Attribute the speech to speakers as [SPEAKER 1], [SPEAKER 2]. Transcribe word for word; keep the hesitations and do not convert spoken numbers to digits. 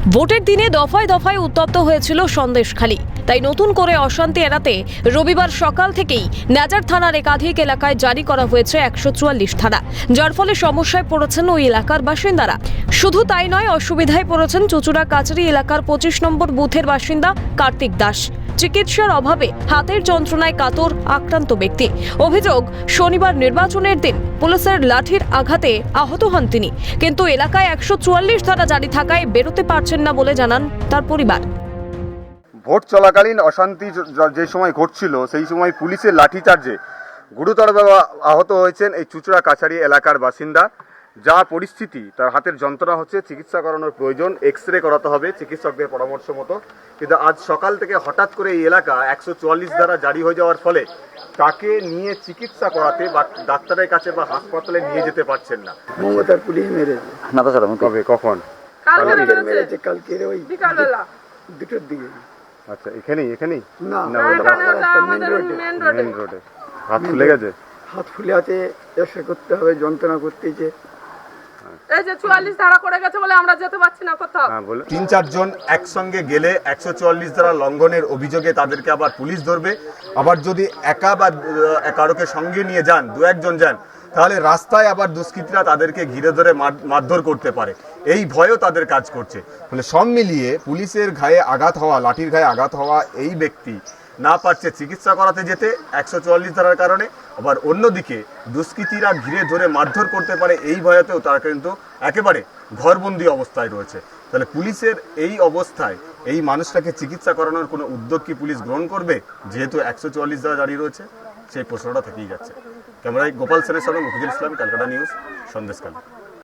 [SPEAKER 1] ভোটের দিনে দফায় দফায় উত্তপ্ত হয়েছিল সন্দেশখালী। তাই নতুন করে অশান্তি এড়াতে রবিবার সকাল থেকেই নাজার থানার একাধিক এলাকায় জারি করা হয়েছে একশো চুয়াল্লিশ ধারা, যার ফলে সমস্যায় পড়েছেন ওই এলাকার বাসিন্দারা। শুধু তাই নয়, অসুবিধায় পড়েছেন চুচুড়া কাচারি এলাকার পঁচিশ নম্বর বুথের বাসিন্দা কার্তিক দাস। চিকিৎসার অভাবে হাতের যন্ত্রণায় কাতর আক্রান্ত ব্যক্তি। অভিযোগ, শনিবার নির্বাচনের দিন পুলিশের লাঠির আঘাতে আহত হন তিনি, কিন্তু এলাকায় একশো চুয়াল্লিশ ধারা জারি থাকায় বেরোতে পারছেন না বলে জানান তার পরিবার।
[SPEAKER 2] ভোট চলাকালীন অশান্তি যে সময় ঘটছিল সেই সময় পুলিশের লাঠিচার্জে গুরুতরভাবে আহত হয়েছেন এই চুচুড়া কাছারি এলাকার বাসিন্দা। যা পরিস্থিতি, তার হাতের যন্ত্রণা হচ্ছে, চিকিৎসা করানোর প্রয়োজন, এক্স রে করাতে হবে চিকিৎসকদের পরামর্শ মতো। কিন্তু আজ সকাল থেকে হঠাৎ করে এই এলাকা একশো চুয়াল্লিশ ধারা জারি হয়ে যাওয়ার ফলে তাকে নিয়ে চিকিৎসা করাতে বা ডাক্তারের কাছে বা হাসপাতালে নিয়ে যেতে পারছেন না।
[SPEAKER 3] মমতার পুলিশ মেরেছে।
[SPEAKER 2] না তো স্যার, কবে কখন?
[SPEAKER 3] কালকে মেরেছে, কালকে ওই বিকালবেলা দুটোর দিকে।
[SPEAKER 2] আচ্ছা, এখানেই এখানেই
[SPEAKER 3] না,
[SPEAKER 2] না মেন রোডে। হাত ফুলে গেছে?
[SPEAKER 3] হাত ফুলে আছে, এসে করতে হবে, যন্ত্রণা করতেছে।
[SPEAKER 4] এই যে চুয়াল্লিশ ধারা করে গেছে বলে আমরা যেতে পারছি না কোথাও।
[SPEAKER 2] হ্যাঁ, বলো। তিন চারজন একসঙ্গে গেলে একশো চুয়াল্লিশ ধারা লঙ্ঘনের অভিযোগে তাদেরকে আবার পুলিশ ধরবে। আবার যদি একা বা কারোকে সঙ্গে নিয়ে যান, দু একজন যান, তাহলে রাস্তায় আবার দুষ্কৃতীরা তাদেরকে ঘিরে ধরে মারধর করতে পারে, এই ভয়ও তাদের কাজ করছে। ফলে সব মিলিয়ে পুলিশের গায়ে আঘাত হওয়া, লাঠির গায়ে আঘাত হওয়া এই ব্যক্তি না পারছে চিকিৎসা করাতে যেতে একশো চুয়াল্লিশ ধারার কারণে, আবার অন্যদিকে দুষ্কৃতীরা ঘিরে ধরে মারধর করতে পারে এই ভয়েতেও তারা কিন্তু একেবারে ঘরবন্দি অবস্থায় রয়েছে। তাহলে পুলিশের এই অবস্থায় এই মানুষটাকে চিকিৎসা করানোর কোনো উদ্যোগ কি পুলিশ গ্রহণ করবে, যেহেতু একশো চুয়াল্লিশ ধারা জারি রয়েছে? সেই প্রশ্নটা থেকেই যাচ্ছে। ক্যামেরায় গোপাল সেনের সঙ্গে মুফিজুল ইসলাম, ক্যালকাটা নিউজ, সন্দেশখালী।